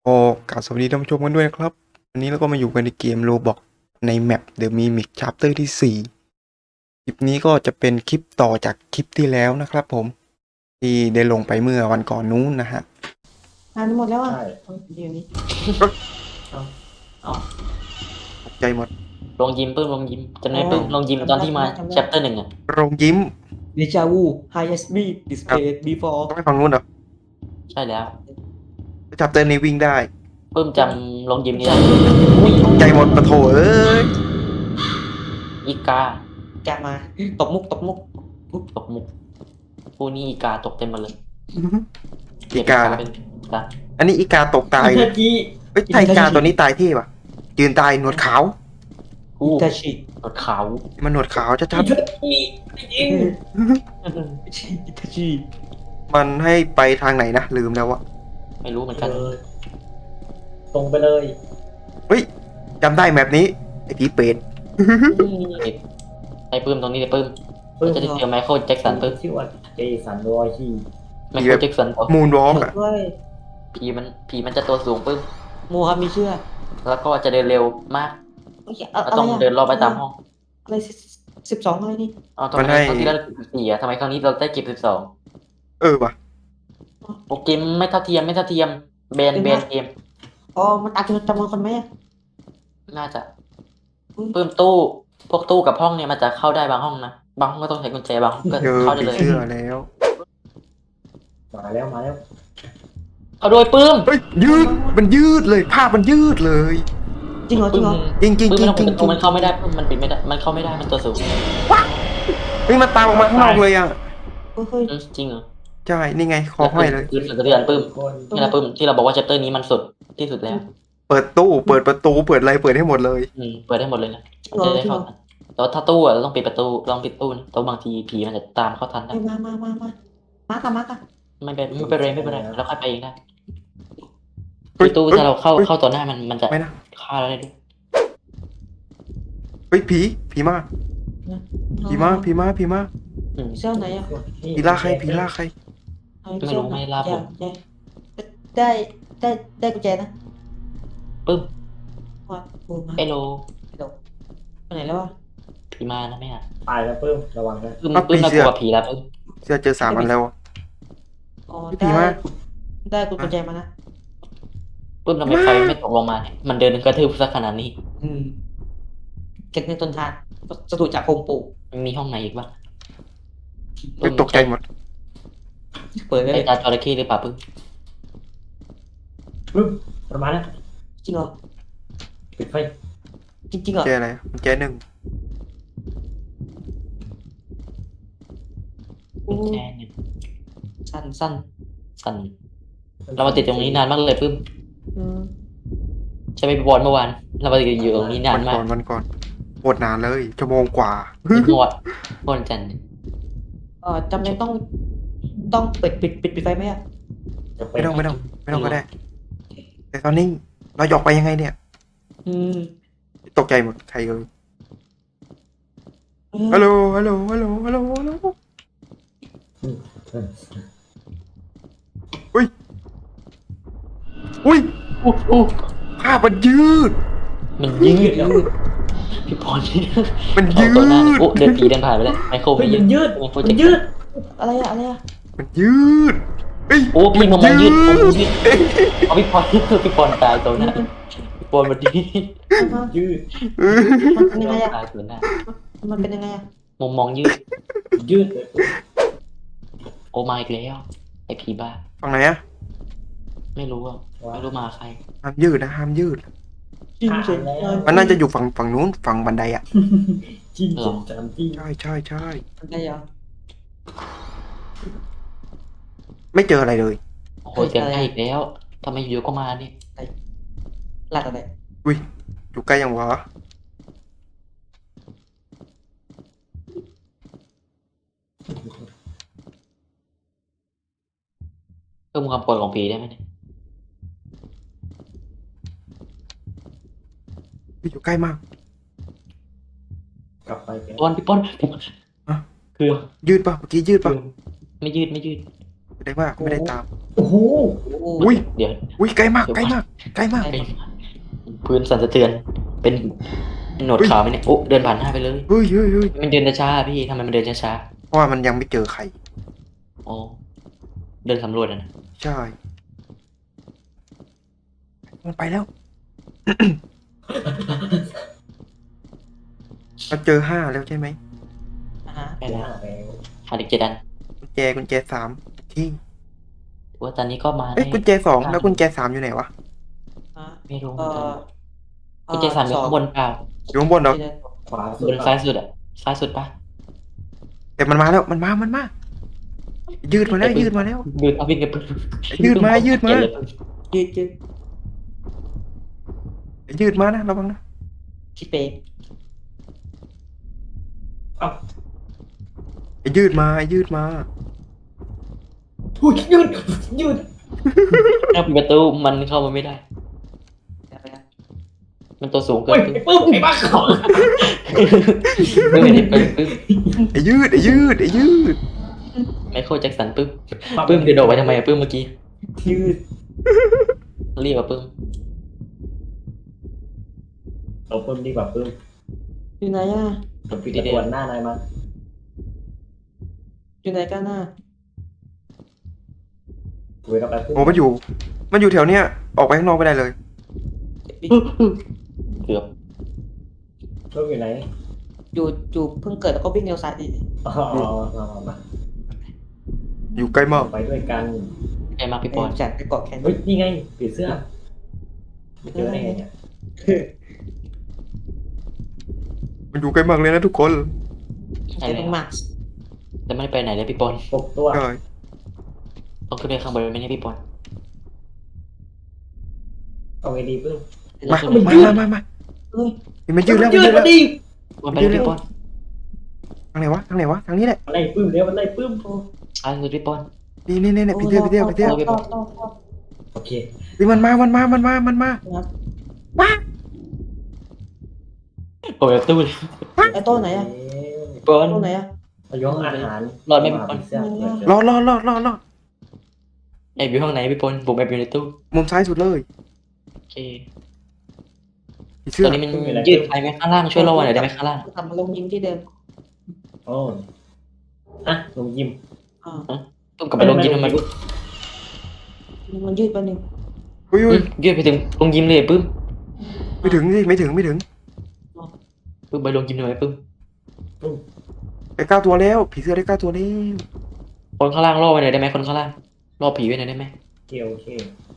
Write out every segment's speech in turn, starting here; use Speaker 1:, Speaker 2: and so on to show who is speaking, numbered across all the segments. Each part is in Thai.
Speaker 1: ก็กราบสวัสดีท่านผู้ชมกันด้วยนะครับวันนี้เราก็มาอยู่กันในเกม Roblox ในแมป The Mimic Chapter ที่4คลิปนี้ก็จะเป็นคลิปต่อจากคลิปที่แล้วนะครับผมที่ได้ลงไปเมื่อวันก่อนนู้นนะฮะ
Speaker 2: อ่านหมดแล้วอ่ะ
Speaker 3: ใช่
Speaker 2: เดี๋ยวนี้
Speaker 1: ตกใจหมด
Speaker 4: ลงยิมปื้มลงยิมจำได้ปื้มลงยิมตอนที่มา chapter 1อ่ะ
Speaker 1: โรงยิ้ม
Speaker 2: เดจาวู highest speed display before
Speaker 1: ต้องไปฟังนู้นเหรอ
Speaker 4: ใช่แล้ว
Speaker 1: Chapter นี้วิ่งได้
Speaker 4: ปื้มจำลงยิมนี่ได้
Speaker 1: ตกใจหมดปะโถเอ้ย
Speaker 4: อีกา
Speaker 2: แกมาตบมุก
Speaker 4: ตกมุกผู้นี้อีกาตกเต็มหมาเลย
Speaker 1: อีกานะ
Speaker 4: เป็นกา
Speaker 1: อันนี้อีกาตกตายเลยเฮ้ยไทยกาตัวนี้ตายเท่ปะยืนตายหนวดขาว
Speaker 4: ผู้
Speaker 2: อิตาชิ
Speaker 4: รถขาว
Speaker 1: มันหนวดขาวชัด
Speaker 2: อิตาชิ
Speaker 1: ๆมันให้ไปทางไหนนะลืมแล้วอะ
Speaker 4: ไม่รู้เหมือนกัน
Speaker 3: ตรงไปเลย
Speaker 1: เฮ้ยจำได้แมปนี้ไอผีเป็ด
Speaker 4: ไอ้ปื้มตรงนี้เลยปื้มเราจะได้เจอไมเคิลแจ็คสันปื้ม
Speaker 3: ชื่อว่าเจสันรอยที่
Speaker 4: ไมเคิลแจ็คสัน
Speaker 1: มูนวอล์กอะ
Speaker 2: ด้วย
Speaker 4: ผีมันจะตัวสูงปื้ม
Speaker 2: โมฮามีเชื่อ
Speaker 4: แล้วก็จะเดินเร็วมาก
Speaker 2: อะ
Speaker 4: เราต้องเดินรอบไปตามห้อง
Speaker 2: อะไร12อะไรนี่
Speaker 4: อ๋อทำไมครั้งที่แล้วเราเก็บ14อ่ะทำไมครั้งนี้เราได้เก็บ12
Speaker 1: เออว่ะ
Speaker 4: โปรเกมไม่เท่าเทียมแบนเกม
Speaker 2: อ๋อมันตัดจำนวนคนไหมอะ
Speaker 4: น่าจะเพิ่มตู้พวกตู้กับห้องเนี่ยมันจะเข้าได้บางห้องนะบางห้องก็ต้องใช้กุญแจบางห้องก็
Speaker 1: เจอ
Speaker 4: เข้าได้
Speaker 1: ผี
Speaker 4: เลย
Speaker 1: เสื้อแล้ว
Speaker 3: มาแล้ว
Speaker 4: เอาโดยปื้ม
Speaker 1: เฮ้ยยืดมันยืดเลยภาพมันยืดเลย
Speaker 2: จริงเหรอจริงเหรอ
Speaker 1: จริงจริง
Speaker 4: ปื้ม
Speaker 1: จริ
Speaker 4: ไม่
Speaker 1: ง
Speaker 4: ต้อง
Speaker 1: จริง
Speaker 4: มันเข้าไม่ได้ปื้มมันปิดไม่ได้มันเข้าไม่ได้มันตัวสูง
Speaker 1: เฮ้ยมันตามออกมาข้างนอกเลยอ่ะ
Speaker 2: เฮ้ย
Speaker 4: จริงเหรอ
Speaker 1: ใช่นี่ไงคอห้อยเลย
Speaker 4: คือเดือนปื้ม
Speaker 3: คน
Speaker 4: นี่แหละปื้มที่เราบอกว่า chapter นี้มันสุดที่สุดแล้ว
Speaker 1: เปิดตู้เปิดประตูเปิดอะไรเปิดให้หมดเลย
Speaker 4: เปิดได้หมดเลยนะ
Speaker 2: จริงเหรอ
Speaker 4: จะได้
Speaker 2: จริงเหร
Speaker 4: เข้า
Speaker 2: อ
Speaker 4: ทันแต่ว่าถ้าตู้อะเราต้องปิดประตูลองปิดตู้นะแต่บางทีผีมันจะตามเข้าทันได้
Speaker 2: มาค่ะ
Speaker 4: ไม่เป็นไรเราค่อยไปเองได้
Speaker 1: เฮ้ย
Speaker 4: ตู้
Speaker 1: เฮ้ย
Speaker 4: ถ้าเราเข้า
Speaker 1: เฮ้ย
Speaker 4: เข้าต่อหน้ามันจะ
Speaker 1: ไม่นะ
Speaker 4: ฆ่าเราได้ด้วย
Speaker 1: เฮ้ยผีมาผีมา
Speaker 4: อืม
Speaker 2: เสื้อไหนอ่ะ
Speaker 1: ผีล่าใครผีล่าใคร
Speaker 4: ไม่รู้ไม่ลาผม
Speaker 2: ได้กุญแจนะ
Speaker 4: ปึ้ม
Speaker 2: ว่าโอ้มา
Speaker 4: เอโล
Speaker 2: ไปไหนแล้วอ่ะ
Speaker 4: ผีมานะไม่อ่ะ
Speaker 3: ตายแล้วเพิ่มระวังนะ
Speaker 4: ปึ้มน่ากลัวผีแล้วปึ้ม
Speaker 1: เสื้อเจอ3 อันแล้วอะ
Speaker 2: อ๋อ
Speaker 1: ผีมา
Speaker 2: ได้กุญแจมานะ
Speaker 4: ปึ้มทำไมไฟไม่ตกลงมาเนี่ยมันเดินกระทืบซะขนาดนี้
Speaker 2: เก็บเงินต้นทางสถูจากโฮมปลูก
Speaker 4: มันมีห้องไหนอีกบ้าง
Speaker 1: เฮ้ยตกใจหมด
Speaker 2: เปิดได้
Speaker 4: ไอ้
Speaker 2: เลย
Speaker 4: ตาจระเข้หรือเปล่าปึ้ม
Speaker 3: ปึ๊บประมาณนั้น
Speaker 2: จริงเหรอ
Speaker 3: ปิดไฟ
Speaker 2: จริงเหรอ
Speaker 1: แจอะไรแจหนึ่ง
Speaker 4: กุญแจเนี่ย
Speaker 2: สั้น
Speaker 4: สั่นเรามาติดตรงนี้นานมากเลยปึ้ม
Speaker 2: อืม
Speaker 4: ใช่ไหมบอลเมื่อวานเรามาติดอยู่ตรงนี้นานมาก
Speaker 1: วันก่อนโคตรนานเลยชั่วโมงกว่า
Speaker 4: หมดบอลจันทร์
Speaker 2: จำเป็นต้องปิดไฟไหมอ่ะ
Speaker 1: ไม่ต้องก็ได้ แต่ตอนนี้เราหยอกไปยังไงเนี่ย
Speaker 2: อืม
Speaker 1: ตกใจหมดใครเอ่ยฮัลโหลอุ้ยภาพมันยืด
Speaker 4: มันยืดพี่บอลนี่
Speaker 1: มันยื
Speaker 4: ตัวหน้า
Speaker 1: ด
Speaker 4: โอ้เดินผีเดินผ่านไปแล้วไมเคิล
Speaker 3: เฮ้ยมันยืด
Speaker 4: ไมเคิล
Speaker 3: มัน
Speaker 4: แจ็ค
Speaker 3: ยืด
Speaker 2: อะไรอ่ะ
Speaker 1: มันยืดเฮ้ย
Speaker 4: โอ้พี่มองยืดเอาพี่บอลพี่บอลตายตัวหน้าพี่บอลมันดี
Speaker 3: ยืด
Speaker 2: มันเป็นยังไงอ่ะ
Speaker 4: ตายตัวหน้า
Speaker 2: มันเป็นยังไงอ่ะ
Speaker 4: มองยืด
Speaker 3: ยืดเลย
Speaker 4: โอ้มาอีกแล้วไอ้ผีบ้า
Speaker 1: ฝั่งไหนอะ
Speaker 4: ไม่รู้อ่ะไม่รู้มาใคร
Speaker 1: ห้ามยืดนะห้ามยืด
Speaker 2: จริงสิ
Speaker 1: มันน่าจะอยู่ฝั่งนู้นฝั่งบันไดอะ
Speaker 3: จริงจริงจริง
Speaker 1: ใช่
Speaker 2: อะไรอ่ะ
Speaker 1: ไม่เจออะไรเลย
Speaker 4: โอ้โหเสียงใกล้อีกแล้วทำไมอยู่ก็มาเนี่ย
Speaker 2: หลัดอะไร
Speaker 1: อุ้ยอยู่ใกล้ยังวะ
Speaker 4: เพิ่มความปวดของผีได้ไหมเนี่ย
Speaker 1: อยู่ใกล้มาก
Speaker 3: กลับไปแก
Speaker 4: พี่บอล
Speaker 1: อะ
Speaker 4: คือ
Speaker 1: ยืดปะเมื่อกี้ยืดปะ
Speaker 4: ไม่ยืด
Speaker 1: แสดงว่าไม่ได้ตาม
Speaker 3: โอ้โห
Speaker 2: โอ้
Speaker 1: อุ้ย
Speaker 4: เดี๋ยว
Speaker 1: อุ้ยใกล้มากใกล้มากใกล้มาก
Speaker 4: ไอ้พื้นสั่นสะเทือน เป็นหนวดขาวไหมเนี่ยโอ้เดินผ่านหน้าไปเลย
Speaker 1: เฮ้ยเฮ้ยเฮ้ย
Speaker 4: มันเดินช้าๆพี่ทำไมมันเดินช้า
Speaker 1: เพราะว่ามันยังไม่เจอใคร
Speaker 4: ๆอ๋อเดินสำรวจอะนะ
Speaker 1: ใช่มันไปแล้ว มันเจอ5แล้วใช่ไหม
Speaker 2: อ่าฮะ
Speaker 4: ไป
Speaker 3: ไป
Speaker 4: แล้ว
Speaker 3: แล้ว
Speaker 4: หาเด็กเจดัน
Speaker 1: กุญแจ3ที่
Speaker 4: ถือว่าตอนนี้ก็มา
Speaker 1: เอ้ย
Speaker 4: ได้
Speaker 1: กุญแจ2แล้วกุญแจ3อยู่ไหนวะ
Speaker 2: อ่า
Speaker 4: ไม่รู้เห
Speaker 2: เอ
Speaker 4: มือนกัน
Speaker 2: อ
Speaker 4: กุญแจสามอยู่ข้างบนเปล่า
Speaker 1: อยู่ข้างบนเหรอ
Speaker 3: ขวาสุ
Speaker 4: บ
Speaker 3: ด
Speaker 4: นซ้ายสุดอะซ้ายสุดปะ
Speaker 1: แต่มันมาแล้วมันมายืดมาแล้วยืดมาแล้ว
Speaker 4: ยืดเอาวิ่งกันปึ๊บ
Speaker 1: ยืดมายืดมา
Speaker 2: ยืดยืด
Speaker 1: ยืดมานะระวังนะ
Speaker 2: คิดเป๊ก
Speaker 3: เอ้า
Speaker 1: ยืดมายืดมา
Speaker 3: อุ้ยยืดยืด
Speaker 4: ถ้าปิดประตูมันเข้ามาไม่ได้
Speaker 2: ไปนะ
Speaker 4: มันตัวสูงเกิ
Speaker 3: โอ้ย
Speaker 4: นปึ๊บ
Speaker 3: ไอ้ปื้มไอ้บ้าของ
Speaker 4: ปึ๊บไม่ได้ปึ๊บ
Speaker 1: ยืดยืด
Speaker 4: ไมเคิลแจ็คสันปึ๊บปึ๊บเดินออกไปทำไมอะปึ๊บเมื่อกี้
Speaker 2: ยืด
Speaker 4: รีบอะปึ๊บ
Speaker 3: เอาปื้มดีกว่าปื้ม
Speaker 2: อยู่ไหนอ่ะ
Speaker 3: ผมปิดตะกวนหน้านายมา
Speaker 2: อยู่ไหนกันน่ะ
Speaker 3: คุยกับไปปื้ม
Speaker 1: โอ้มันอยู่แถวเนี้ยออกไปข้างนอกไม่ได้เลย
Speaker 4: เกือบ
Speaker 3: ปื้มอยู่ไหน
Speaker 2: อยู่เพิ่งเกิดแล้วก็วิ่งเร็วซ้ายดิ
Speaker 3: อ๋อมา
Speaker 1: อยู่ใกล้มาก
Speaker 3: ไปด้วยกัน
Speaker 4: ใครมาพี่ปอน
Speaker 2: จัดไปเกาะแขน
Speaker 3: เฮ้ยนี่ไงผีเสื้อไม่เจอได้ไงเนี่ย
Speaker 1: มันอยู่ใกล้มากเลยนะทุกคน
Speaker 4: ใช่
Speaker 2: แต่
Speaker 4: เล
Speaker 2: ต้
Speaker 4: ย
Speaker 2: องมา
Speaker 4: แต่ไม่ได้ไปไหนเลยพี่ปอน
Speaker 3: 6 ตัว
Speaker 1: ใช่
Speaker 4: ต้องขึ้นไปข้างบนไหมเนี่ยพี่ปอน
Speaker 3: เอาไงดีปื้ม
Speaker 1: มา
Speaker 4: ขึ้นไป
Speaker 1: มา
Speaker 2: เฮ้ย
Speaker 1: มันยืดแล้วมัน
Speaker 3: ยื
Speaker 1: ยื
Speaker 3: ด
Speaker 1: ด
Speaker 3: มา
Speaker 1: แล้ว
Speaker 3: ดิ
Speaker 4: มันไปเลยพี่ปอน
Speaker 1: ทางไหนวะทางนี้แหละ
Speaker 3: มันไล่ปื้มเดี๋ยวมันไล่ปื้ม
Speaker 4: ซ้ายสุดพี่ปอน
Speaker 1: นี่ไปเที่ยว
Speaker 3: โอเค
Speaker 1: นี่มันมา
Speaker 4: ผมจะตู้เลย
Speaker 2: ไอ้โต้ไหนอ่ะ
Speaker 4: พี่ปอน
Speaker 2: โต้ไหนอ่ะ
Speaker 3: อายุอาหาร
Speaker 4: รอดไหมพี่ปอน
Speaker 3: ผีเสื้อเกิดเจอ
Speaker 1: รอ
Speaker 4: แอบอยู่ห้องไหนพี่ปอนผมแอบอยู่ในตู้
Speaker 1: มุมซ้ายสุดเลย
Speaker 4: โอเค
Speaker 1: ผีเสื้
Speaker 4: ต
Speaker 1: อ
Speaker 4: อนนี้มันยืดไปไหมข้างล่างช่วยรอหน่อยได้ไหมข้างล่าง
Speaker 2: กลับมาลงยิมที่เดิม
Speaker 3: โอ้อะลงยิม
Speaker 2: อ่า
Speaker 4: ต้องกลับไปลงยิมทำไมปุ๊บ
Speaker 2: มันยืดไปหนึ่ง
Speaker 1: อุ้ย
Speaker 4: ยืดไปถึงลงยิมเลยปุ๊บ
Speaker 1: ไม่ถึงสิไม่ถึง
Speaker 4: ปุ๊บไปลงยิมทำไมปุ๊บ
Speaker 1: ได้9 ตัวแล้วผีเสื้อได้9 ตัวแล้ว
Speaker 4: คนข้างล่างรอไปหน่อยได้ไหมคนข้างล่างรอผีไว้หน่อยได้ไหม
Speaker 3: โอเค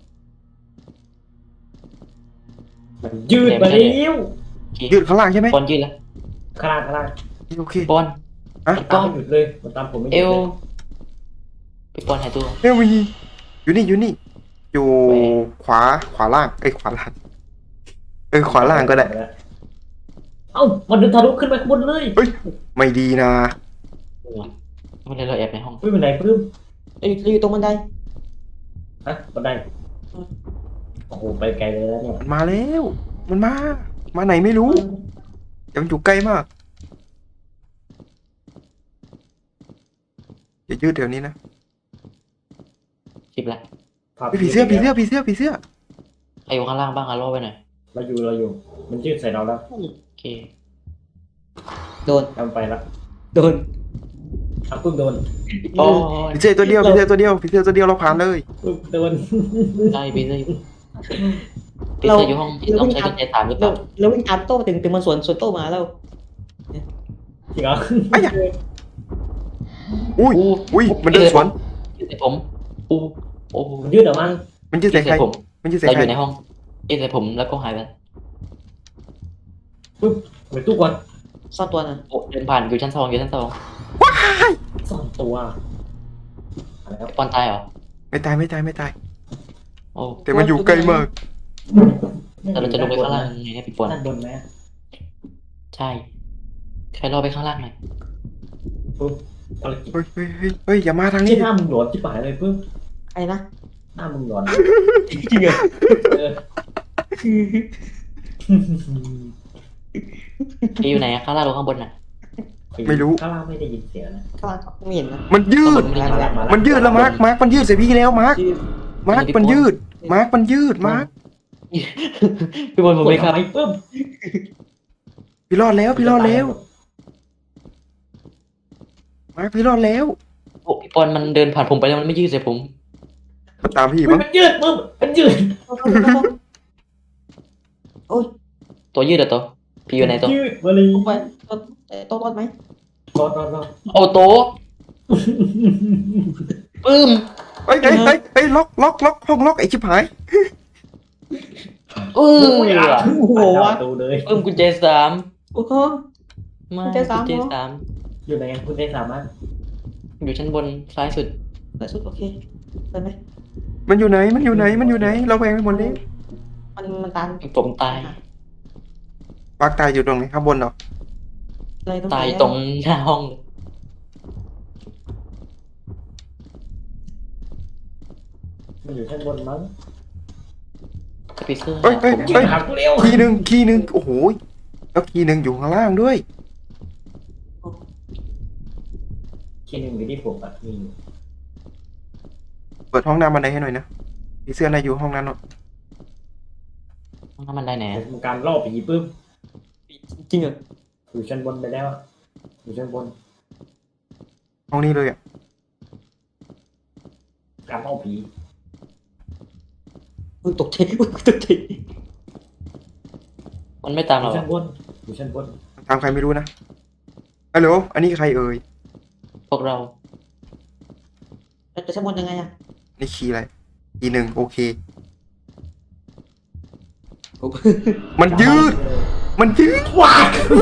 Speaker 3: มันยืดมาเร็ว
Speaker 4: โอเค
Speaker 1: ยืดข้างล่างใช่ไหม
Speaker 4: ปอนยืดแล้ว
Speaker 3: ข้างล่าง
Speaker 1: โอเค
Speaker 4: ปอน
Speaker 1: อะ
Speaker 3: มันตามไม่หยุดเลยมันตามผมไม่ห
Speaker 4: เอ
Speaker 3: ยุด
Speaker 4: ว
Speaker 3: เลย
Speaker 4: พี่ปอนหายตัว
Speaker 1: เฮ้ยอยู่นี่อยู่ขวาล่างขวาล่างขวาล่างก็ได้
Speaker 3: เอ้ามันเดินทะลุขึ้นไปข้างบนเลย
Speaker 1: ไม่ดีนะ
Speaker 4: ไม่ได้เราแอบในห้อง
Speaker 3: ปื้มเป็นไหนปื้ม
Speaker 2: อยู่ตรงบันได
Speaker 3: ฮะบันไดโอ้โหไปไกลเลยแล้วเนี่ย
Speaker 1: มันมาแล้วมันมาไหนไม่รู้แต่มันอยู่ใกล้มากอย่ายืดแถวนี้นะ
Speaker 4: คลิปละ
Speaker 1: ผีเสื้อ
Speaker 4: ใครอยู่ข้างล่างบ้างอะรอไปหน่อย
Speaker 3: เราอยู่มันยืดใส่เราแล้ว
Speaker 4: โอเค
Speaker 2: โดน
Speaker 3: ทำไปละ
Speaker 2: โดน
Speaker 3: อ่ะปื้มโดน
Speaker 4: โอ้ย
Speaker 1: ผีเสื้อตัวเดียวเราผ่านเลย
Speaker 3: ปื้มโดน
Speaker 4: ได้พี่เสื้อพี่เสื้ออยู่ห้องต้องใช้กุญแจสามหรือเป
Speaker 2: เรา
Speaker 4: ล่า
Speaker 2: เราวิ่งตามโต้ถึงมันสวนโต้มาแล้ว
Speaker 3: จริงเหรอ
Speaker 1: อุ้ยมันเดินสวน
Speaker 4: ยืดใส่ผมโอ้
Speaker 3: มันยืดออกมา
Speaker 1: มันยืดใส่ใคร
Speaker 4: ผม
Speaker 1: มันยืดใส่
Speaker 4: เรา
Speaker 1: ใค
Speaker 4: อ
Speaker 1: ร
Speaker 4: ยู่ในห้องยืดใส่ผมแล้วก็หายไป
Speaker 3: ไปตู้ก่อน
Speaker 2: ซ่อนตัวน่ะ
Speaker 4: โอ้เดินผ่านอยู่ชั้น 2อยู่ชั้น 2
Speaker 3: ซ่อนตัวแล้ว
Speaker 4: ปอนตายเหรอ
Speaker 1: ไม่ตาย
Speaker 4: โอ้
Speaker 1: แต่มันอยู่ใกล้มาก
Speaker 4: แต่เราจะลงไปข้างล่างยังไงเนี่ยพี่ปอน
Speaker 3: ด้านบนไหม
Speaker 4: ใช่ใครรอไปข้างล่างหน่อย
Speaker 3: อะไรกิน
Speaker 1: เฮ้ยอย่ามาทาง
Speaker 3: นี่
Speaker 1: นี้
Speaker 3: หน้ามึงหลอนที่ป่ายเลยปื้ม
Speaker 2: ไอ้นะ
Speaker 3: หน้ามึงหลอน
Speaker 2: จริงเหรอ
Speaker 3: เออ
Speaker 4: พี่อยู่ไหนอะข้างล่างหรือข้างบนน่ะ
Speaker 1: ไม่รู้
Speaker 3: ข้างล่างไม่ได้ยินเสียงนะ
Speaker 2: ข้างล่างไม่เห็นนะ
Speaker 1: มันยืด
Speaker 4: ข้างบนไม่ได้ยิน
Speaker 3: มา
Speaker 1: มันยืดแล้วมาร์คมันยืดใส่พี่แล้วมาร์ค
Speaker 2: ยืด
Speaker 1: มาร์คมันยืด มาร์คมันยืด มาร์ค
Speaker 4: พี่บอลผมไม่ครับ
Speaker 3: กดทำปึ๊บ
Speaker 1: พี่รอดแล้ว พี่รอดแล้ว มาร์คพี่รอดแล้ว
Speaker 4: โอ้พี่บอลมันเดินผ่านผมไปแล้วมันไม่ยืดใส่ผม
Speaker 1: มันตามพี่
Speaker 3: อุ๊ย
Speaker 1: มั้ง
Speaker 3: มันยืดปึ๊บมันยืด
Speaker 2: โอ้ย
Speaker 4: ตัวยืดเหรอตัวพี่อยู่ไหนตัว
Speaker 3: ยืดมาเลย
Speaker 2: ลงไปโต๊ะรอดไหม
Speaker 3: รอดรอดรอด
Speaker 4: โอ้โตะปึ้ม
Speaker 1: เฮ้ยล็อกห้องล็อกไอ้ชิบหาย
Speaker 4: เออ
Speaker 3: โอ้โหประตูเลย
Speaker 4: ปึ้มกุญแจสาม
Speaker 2: โอ้โห
Speaker 4: ไม่
Speaker 2: กุญแจสาม
Speaker 4: กุญแจ
Speaker 2: เหรอ
Speaker 4: สาม
Speaker 3: อยู่ไหนคุณได้สามารถ
Speaker 4: อยู่ชั้นบนซ้ายสุด
Speaker 2: แต่สุดโอเคไปไหม
Speaker 1: มันอยู่ไหน เราแวงไปหมดเลย
Speaker 2: มันตัน
Speaker 4: ผมตาย
Speaker 1: ปากตายอยู่ตรงไหนข้างบนเหรอ
Speaker 2: อะไรตรงไหน
Speaker 4: ตายตรงหน้าห้องเลย
Speaker 3: มันอยู่ชั้นบนมั้ง
Speaker 4: สปีเซอร์
Speaker 1: เฮ้ย
Speaker 3: ยิงหากูเร็ว
Speaker 1: คีย์หนึ่งโอ้โห แล้วคีย์หนึ่งอยู่ข้างล่างด้วย
Speaker 3: ทีหนึ่งอยู่ที่ผมอ่ะมี
Speaker 1: เปิดห้องน้ำบันไดให้หน่อยนะผีเสื้อในอยู่ห้องนั้นเนาะ
Speaker 4: ห้องน้ำมันได้ไหน
Speaker 3: ผมทำการล่อผีปึ๊บ
Speaker 2: จริงเหรอ
Speaker 3: อยู่ชั้นบนไปแล้วอะอยู่ชั้นบน
Speaker 1: ห้องนี้เลยอ่ะ
Speaker 3: การล่อผี
Speaker 2: ตกใจตกใจ
Speaker 4: มันไม่ตาม
Speaker 3: อ
Speaker 4: เรา
Speaker 3: ยู่
Speaker 4: อะ
Speaker 3: ชั้นบนอยู่ชั้นบน
Speaker 1: ตามใครไม่รู้นะฮัลโหลอันนี้ใครเอ่ย
Speaker 4: พวกเรา
Speaker 2: จะชั้นบนยังไงอะ
Speaker 1: นี่คีย์อะไรคีย์หนึ่งโอเค มันยืด
Speaker 3: ว้า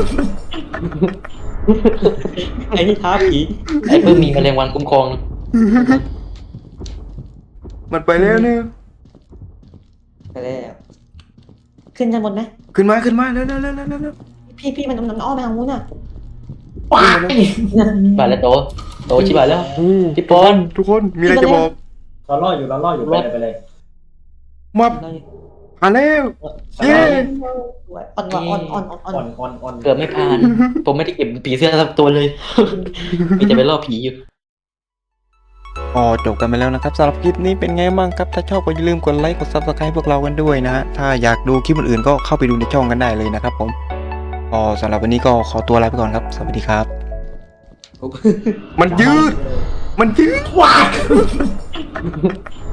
Speaker 2: ไอ้นี่ท้าผี
Speaker 4: ไอ้เพิ่มมีแมลงวันคุ้มครองนะ
Speaker 1: มันไปแล้วเนี่ย
Speaker 2: ไปแล้วขึ้นชั้นบนไหม
Speaker 1: ขึ้นมาเร็ว
Speaker 2: พี่มันอ้อมไปทางนู้นน่ะ
Speaker 3: ว้า
Speaker 4: บาดแล้วโตชิบหายแล้ว พี่ปอน
Speaker 1: ทุกคนมีอะไรจะบอก
Speaker 3: เราล่ออยู่ไปเลย
Speaker 1: มาผ่านแล้ว เย้
Speaker 2: อ่อนว่ะอ่อน
Speaker 3: ๆ
Speaker 4: เกือบไม่ผ่าน ผมไม่ได้เก็บผีเสื้อสักตัวเลย มีแต่ไปล่อผีอยู่
Speaker 1: ก็จบกันไปแล้วนะครับสำหรับคลิปนี้เป็นไงบ้างครับ ถ้าชอบก็อย่าลืมกดไลค์กด Subscribe พวกเรากันด้วยนะฮะถ้าอยากดูคลิปอื่นๆก็เข้าไปดูในช่องกันได้เลยนะครับผมก็สำหรับวันนี้ก็ขอตัวลาไปก่อนครับ สวัสดีครับ มันยืด
Speaker 3: ว้า